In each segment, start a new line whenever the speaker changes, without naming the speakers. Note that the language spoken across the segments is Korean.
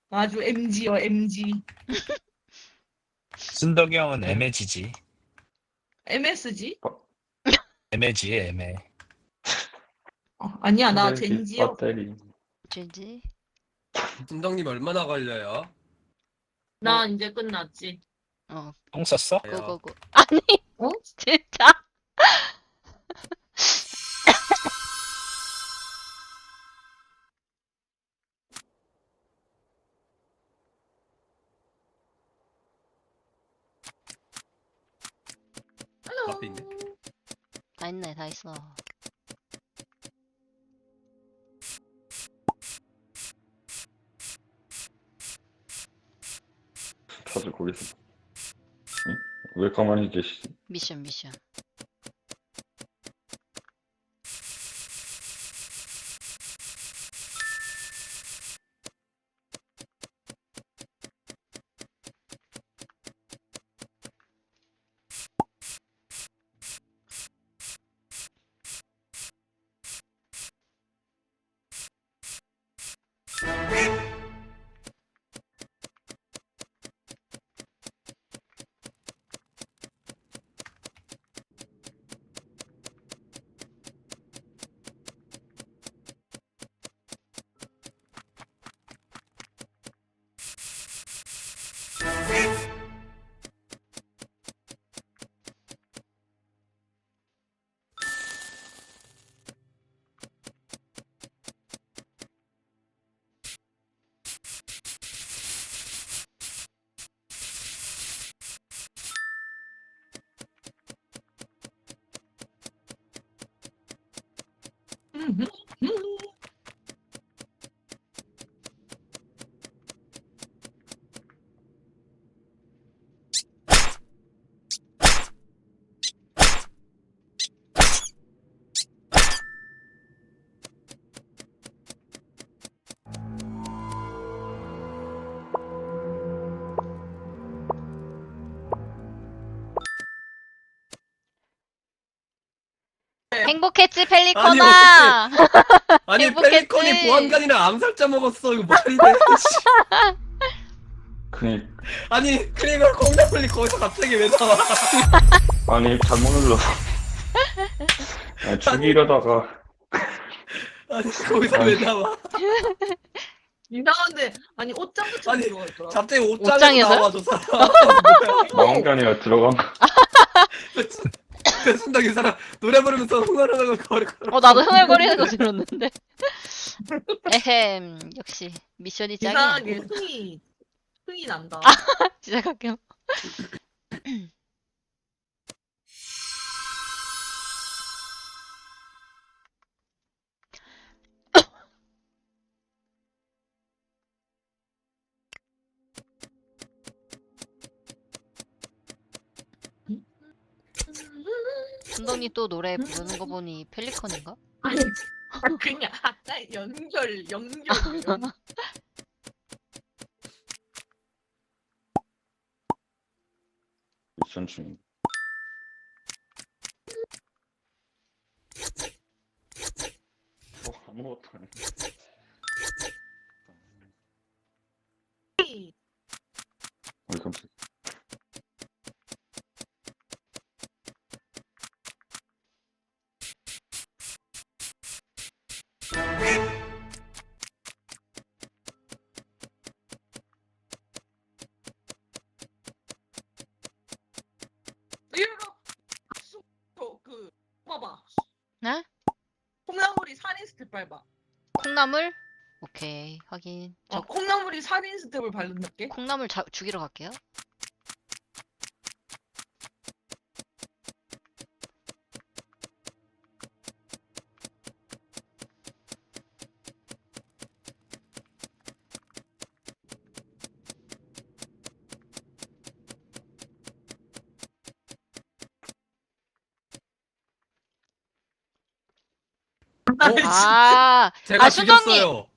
아주 MG요, MG.
순덕이 형은 애매지지.
MSG?
애매지, 애매.
아니야, 나
배터리,
젠지요.
배터리.
왠지.
진덕님 얼마나 걸려요?
나 이제 끝났지.
어,
똥 썼어?
고고고. 아니,
어?
진짜.
앞에 있네.
다 있네, 다 있어.
다들 거기서. 응? 왜 가만히 계시지?
미션, 미션. 행복했지, 펠리코나!
아니
행복했지?
펠리콘이 보안관이랑 암살자 먹었어. 이거 말이 돼? 씨.
그니,
아니 크리미널 콩나물리 거기서 갑자기 왜 나와?
아니, 잘못 눌러서. 아니, 죽이려다가.
아니 거기서 왜 나와?
이상한데, 아니, 옷장부터
아니,
들어가 있더라.
갑자기 옷장에서
옷장에서요?
나와 저 사람.
나온 게 아니라 들어간 거.
순덕이 사람 노래 부르면서 흥얼흥얼 거리고.
나도 흥얼거리는 거 들었는데. 에헴, 역시, 미션이 짱이야.
이상하게 흥이 난다.
시작할게요. 순덕이 또 노래 부르는 거 보니 펠리컨인가?
아니, 그냥, 연결.
미션 중. 아무것도 안 해. 어이, 깜짝이야.
봐봐.
네?
콩나물이 살인 스텝 밟아.
콩나물? 오케이, 확인. 저
콩나물이 살인 스텝을 밟는다게?
콩나물 죽이러 갈게요. 아,
제가
순덕님!
죽였어요.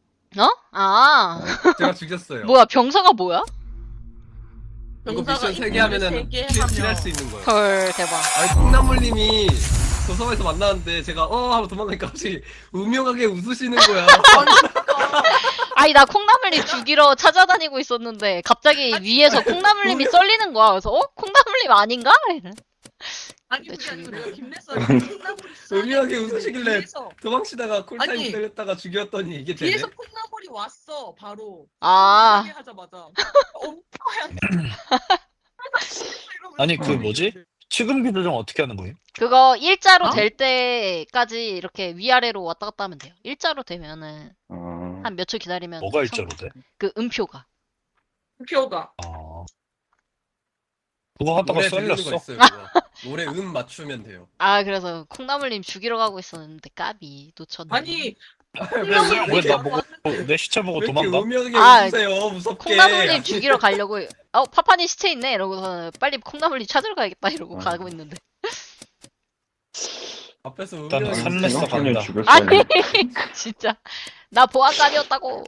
제가 죽였어요.
뭐야, 병사가 뭐야?
이거 미션 3개 하면은 킬할 수 있는 거예요.
헐, 대박.
아니 콩나물님이 도서관에서 만나는데 제가 하고 도망가니까 갑자기 우명하게 웃으시는 거야.
아니 나 콩나물님 죽이러 찾아다니고 있었는데 갑자기 위에서 콩나물님이 썰리는 거야. 그래서 콩나물님 아닌가?
아니
내
그게 아니고
주위로.
내가 김래선이 콩나물이
의미하게 웃으시길래
뒤에서
도망치다가 쿨타임
아니.
때렸다가 죽였더니 이게 되네.
뒤에서 콩나물이 왔어 바로.
아.
하게 하자마자. 엄마야.
아니 그 뭐지? 취급기 조정 어떻게 하는 거예요?
그거 일자로
어?
될 때까지 이렇게 위아래로 왔다 갔다 하면 돼요. 일자로 되면은
아,
한 몇 초 기다리면
뭐가 일자로 돼?
그 음표가.
표가.
아 그거 하다가
노래 들리는 거
썰렸어.
있어요. 그거. 노래 맞추면 돼요.
아 그래서 콩나물님 죽이러 가고 있었는데 까비 놓쳤네.
아니
왜 나보고 내 시체 보고
왜 이렇게
도망가?
음역이
아,
웃으세요? 무섭게.
콩나물님 죽이러 가려고 파파님 시체 있네 이러고서 빨리 콩나물님 찾으러 가야겠다 이러고
아.
가고 있는데.
앞에서
일단
음역이
산- 살렸어,
생각하니
간다.
죽였어야
아니
돼.
진짜 나 보안관이었다고.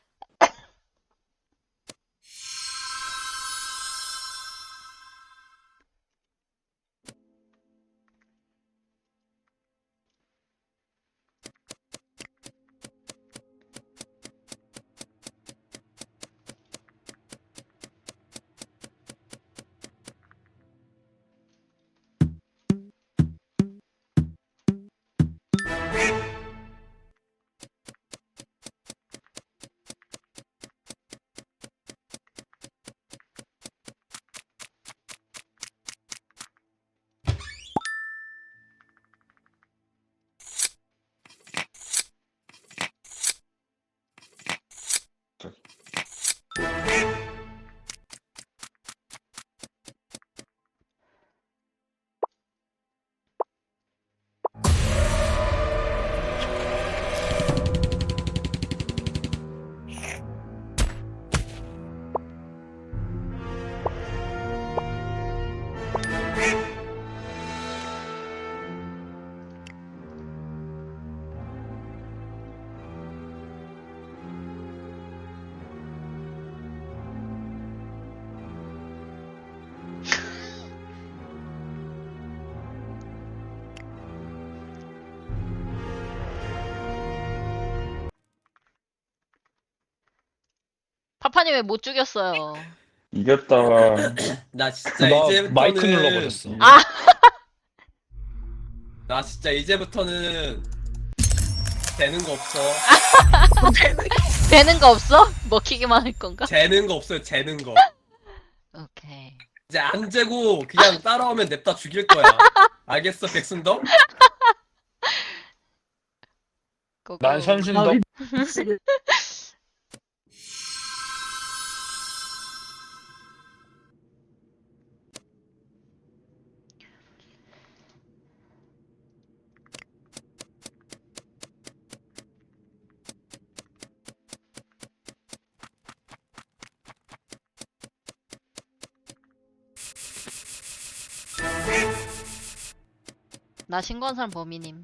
파파님 왜 못 죽였어요?
이겼다.
나 진짜
나
이제부터는
마이크 눌러버렸어.
아
나 진짜 이제부터는 되는 거 없어.
되는 거 없어? 먹히기만 할 건가?
재는 거 없어요. 재는 거.
오케이.
이제 안 재고 그냥 따라오면 냅다 죽일 거야. 알겠어, 백순덕?
고고.
난 현순덕.
나 신권산 범인임.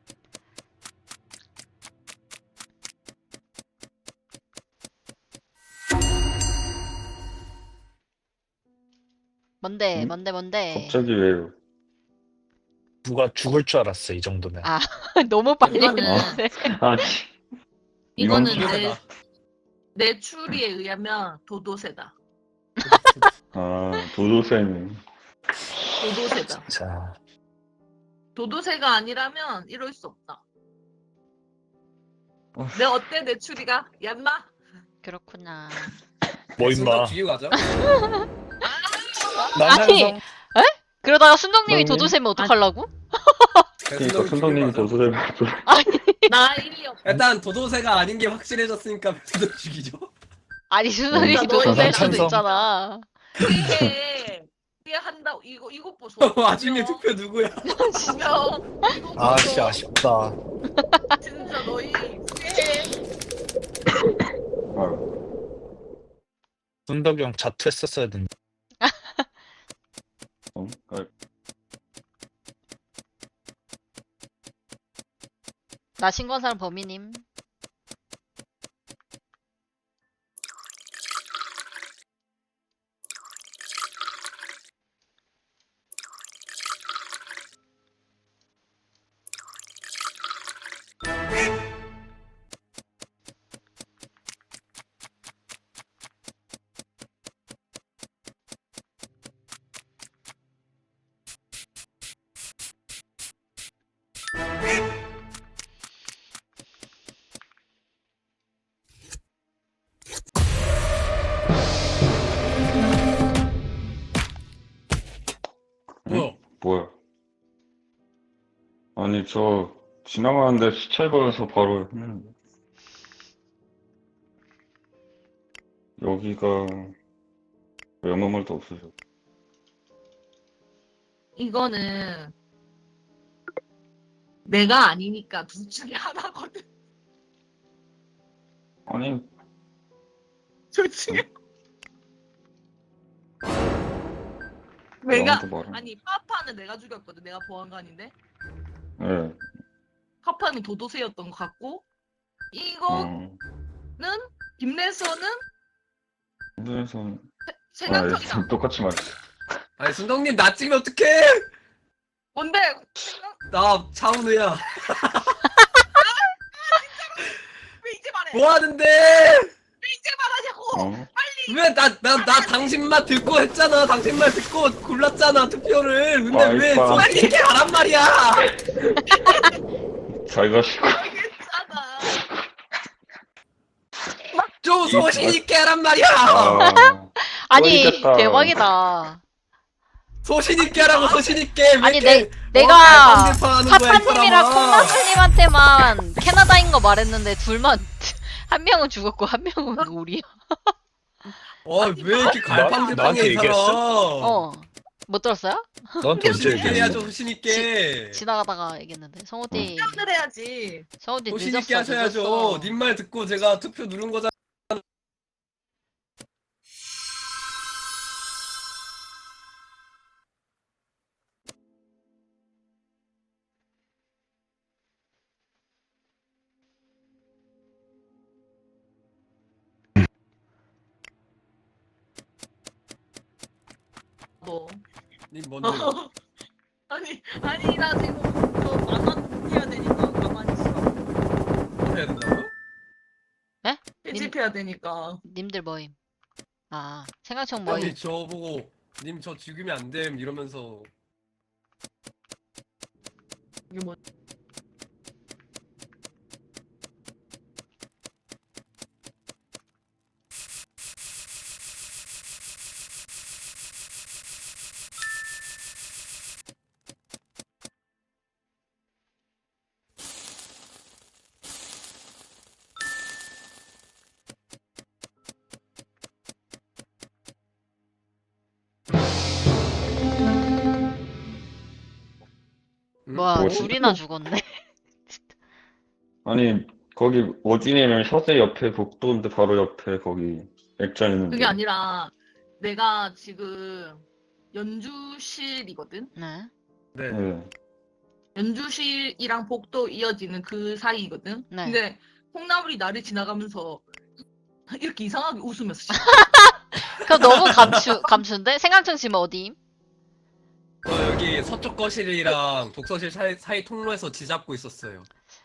뭔데
응?
뭔데
갑자기 왜요?
누가 죽을 줄 알았어 이 정도면.
아 너무 빨리
이거는-
했는데.
아,
이거는
이건
내 추리에 의하면 도도새다.
아, 도도새는
도도새다.
자,
도도새가 아니라면 이럴 수 없다.
어.
내 어때 내 추리가? 얌마?
그렇구나.
뭐
백순덕
임마.
죽이고 가자.
난
아니,
항상
그러다가 순덕님이
선생님?
도도새면 어떡하려고?
그러니까
백순덕이
선생님이
죽이고 가자.
도도새
나 일이 없.
일단 도도새가 아닌 게 확실해졌으니까 백순덕 죽이죠.
아니 순덕님이
진짜 너희
도도새일 수도
찬성.
있잖아.
이게 한다 이거 보소.
와중에 투표 누구야?
보면 이거 보소.
아씨 아쉽다.
진짜 너희 후회해.
아,
순덕이 형 자투했었어야 된다.
아,
나 신권산 범인임.
아니, 저 지나가는데 시체 보여서 바로 했는데. 여기가 아무 말도 없으셔.
이거는 내가 아니니까 둘 중에 하나거든.
아니,
둘 중에. 내가
나한테 말해.
아니 파파는 내가 죽였거든. 내가 보안관인데
예.
파파는 도도새였던 것 같고 이거는
어,
김래서는
그래서
생각형이다.
똑같이 말했어.
아니 순덕님 나 찍으면 어떡해?
뭔데?
나 차은우야.
왜 이제 말해?
뭐 하는데?
왜 이제 말하냐고?
어?
왜 나 당신 말 듣고 했잖아. 당신 말 듣고 골랐잖아 투표를. 근데
아이,
왜
빠.
소리 이렇게 하란 말이야?
잘 가시고.
알겠잖아.
좀 소신 있게 하란 말이야.
아,
아니
모르겠다.
대박이다.
소신 있게 하라고 소신 있게. 왜
아니
이렇게
내가
갈팡질팡하는 거야, 이
파파님이랑
사람아.
콩나물님한테만 캐나다인 거 말했는데 둘만 한 명은 죽었고 한 명은 우리야.
왜 이렇게 갈팡질팡해
나한테
이 사람?
얘기했어?
못 들었어요?
너한테 언제
소신 있게
얘기했어?
해야죠 소신 있게.
지나가다가 얘기했는데 성우띠
표현을 해야지.
성우띠
소신
늦었어
있게 하셔야죠.
늦었어.
님 말 듣고 제가 투표 누른 거잖아.
너.
님 뭔데?
아니 나 지금 저 만원 해야 되니까 가만히 있어.
뭐 해야 된다고요?
편집해야 되니까.
님들 뭐임? 아 생각청 뭐임?
아니 저보고 님 저 죽이면 안 됨 이러면서
이게 뭐?
뭐야
뭐지?
둘이나 죽었네.
아니, 거기 어디냐면 셔세 옆에 복도인데 바로 옆에 거기 액자 있는데.
그게 아니라 내가 지금 연주실이거든.
네.
네.
예.
연주실이랑 복도 이어지는 그 사이거든.
네.
근데 콩나물이 나를 지나가면서 이렇게 이상하게 웃으면서
그럼 너무 감춘데? 생각청 지금 어디임?
저 여기 서쪽 거실이랑 독서실 사이 통로에서 지잡고 있었어요.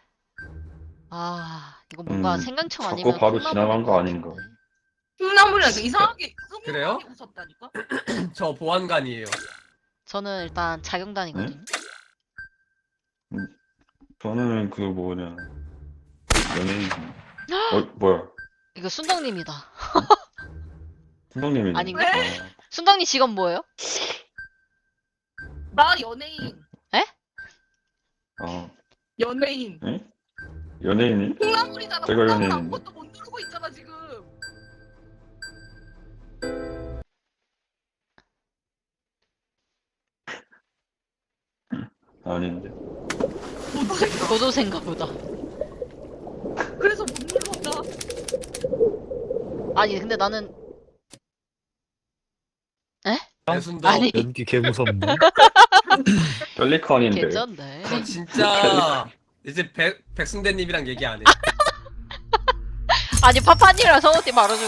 아 이거 뭔가
음,
생강청
자꾸
아니면
바로
콩나물일
지나간
것
거 아닌가.
같은데.
콩나물이 이상하게
그래요?
흐뭇하게 웃었다니까.
저 보안관이에요.
저는 일단 자경단이거든요.
저는 그 뭐냐. 연예인. 뭐야.
이거 순덕님이다.
순덕님이네.
아닌가?
왜?
순덕님 직업 뭐예요?
나 연예인.
아,
연예인.
예? 연예인이?
콩나물이잖아.
제가
콩나물
연예인인데.
아무것도 못 누르고 있잖아 지금.
아닌데.
도도새인가 보다.
그래서 못 눌렀나?
아니 근데 나는
배순덕.
아니
연기 개 무섭네.
펠리컨인데.
괜찮네.
저 진짜 이제 백순대님이랑 얘기 안 해.
아니 파파님이랑 성우띠 말아주고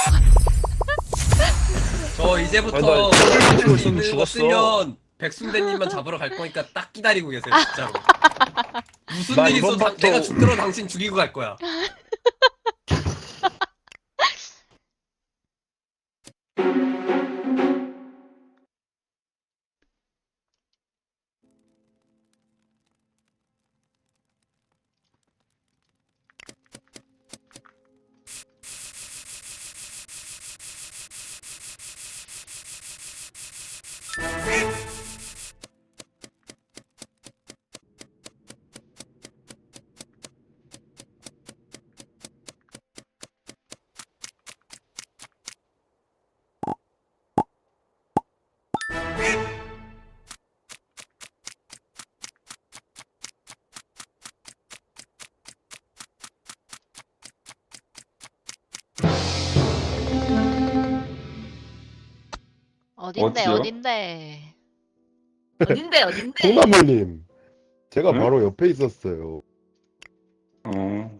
저 이제부터
아, 나
있는
있으면
거
죽었어.
쓰면 백순대님만 잡으러 갈 거니까 딱 기다리고 계세요 진짜로. 무슨
나
일
이번
있어도
판도-
내가 죽더라도 당신 죽이고 갈 거야.
어딘데
어디요?
어딘데?
어딘데?
콩나물님, 제가
응?
바로 옆에 있었어요.
어.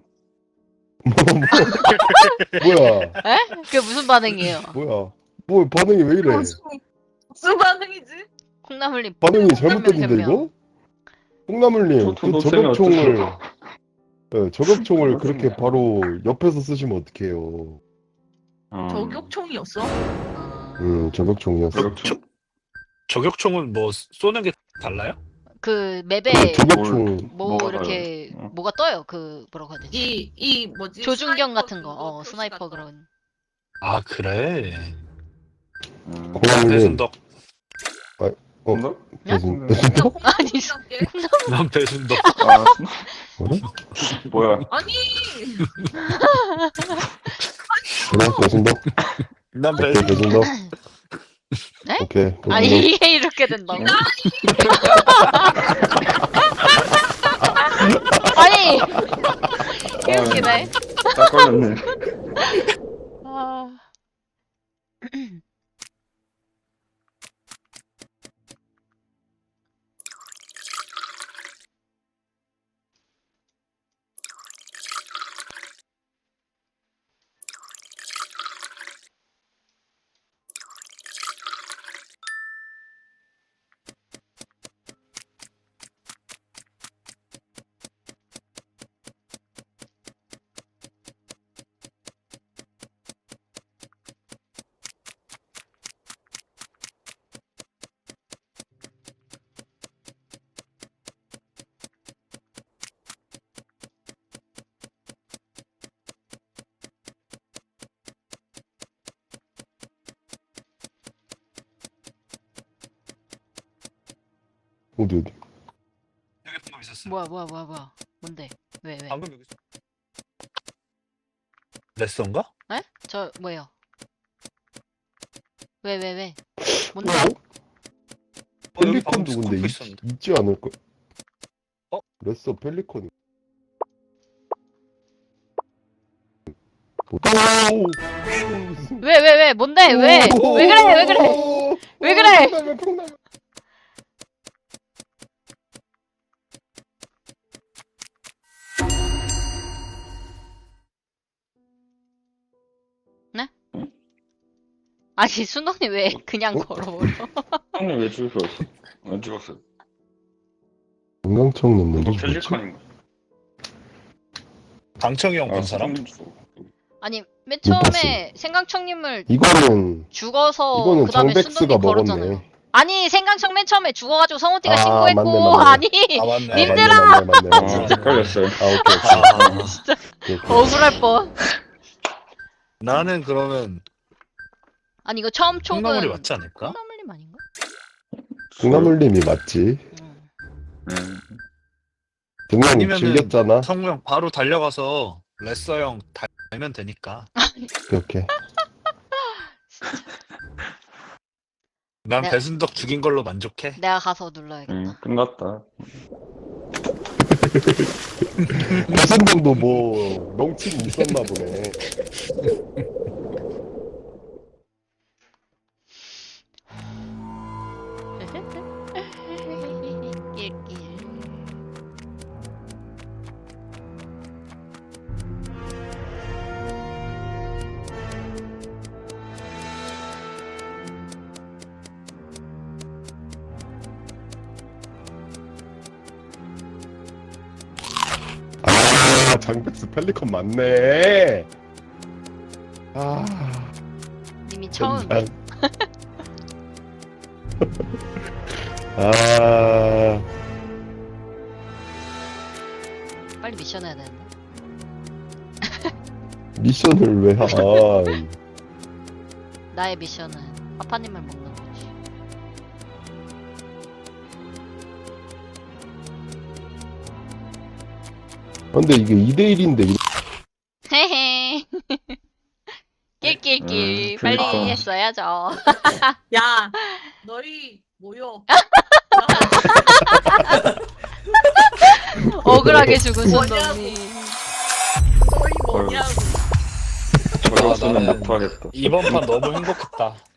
뭐야?
에? 그게 무슨 반응이에요?
뭐야? 뭐 반응이 왜 이래?
무슨 반응이지?
콩나물님
반응이
변명,
잘못됐는데
변명.
이거? 콩나물님,
저
그
동생이
저격총을
어쩌죠?
네, 저격총을
저격총이야.
그렇게 바로 옆에서 쓰시면 어떡해요?
저격총이었어?
저격총이었어.
저격총?
저격총은 뭐 쏘는 게 달라요?
그
그
맵에
저격총
뭐
뭐가
이렇게
달라요? 어.
뭐가 떠요. 그 뭐라고 해야 되지?
이 뭐지?
조준경
스나이퍼
같은 거.
그거 표시
스나이퍼
같은
그런.
아 그래.
콩나물님,
배순덕.
콩나?
배순,
거.
배순덕?
그냥
아니,
콩나물이랄게.
난 배순덕.
아,
뭐래?
뭐야?
아니
그래, 배순덕?
난
오케이,
배순덕.
배순덕.
네?
오케이,
아니
배순덕.
이게 이렇게 된다고? 아니 개웃기네.
딱 걸렸네.
아.
어디?
여기 방금 있었어.
뭐야 뭔데? 왜?
방금 여기 있어. 레슨가?
에? 저 뭐예요? 왜? 뭔데?
여기
펠리컨
방금
누군데
스코프 있었는데.
있지 않을까?
어?
레서 펠리컨. 오!
왜? 뭔데? 왜 그래? 왜 그래?
콩나물.
아니 순덕님 왜 그냥
어?
걸어버려?
형님 왜 죽었어? 왜 죽었어?
건강청
너
넣는 게 뭐지?
펠리컨인가?
강청이 형
아,
본 사람?
아니 맨
못
처음에 생강청님을
이거는
죽어서
이거는
그 다음에
장백스가
순덕님 걸었잖아요.
먹었네.
아니 생강청 맨 처음에 죽어가지고 성우띠가
아,
신고했고
맞네.
아니
아 맞네.
님들아!
맞네.
아, 헷갈렸어요.
아, 오케이.
억울할 뻔.
나는 그러면
아니 이거 처음 촉은
콩나물이 맞지 않을까?
콩나물님 아닌가?
콩나물님이 맞지. 그냥
아니면은
질렸잖아.
성우 형 바로 달려가서 레서 형 달면 되니까.
이렇게.
난
네.
배순덕 죽인 걸로 만족해.
내가 가서 눌러야겠다.
끝났다.
배순동도 뭐 명칭이 있었나 보네.
낄낄.
아, 장백스 펠리컨 맞네. 아,
님이 처음
젠장. 아,
빨리 미션 해야 되는데.
미션을 왜 하?
나의 미션은 파파님을 먹는 거지.
근데 이게 2대1인데
헤헤. 낄낄낄. 빨리
그러니까.
했어야죠.
야 너희 모여.
억울하게 죽은
뭐냐고.
순덕님.
너희 뭐냐고.
저였으면
나는
못하겠다.
이번 판 너무 행복했다.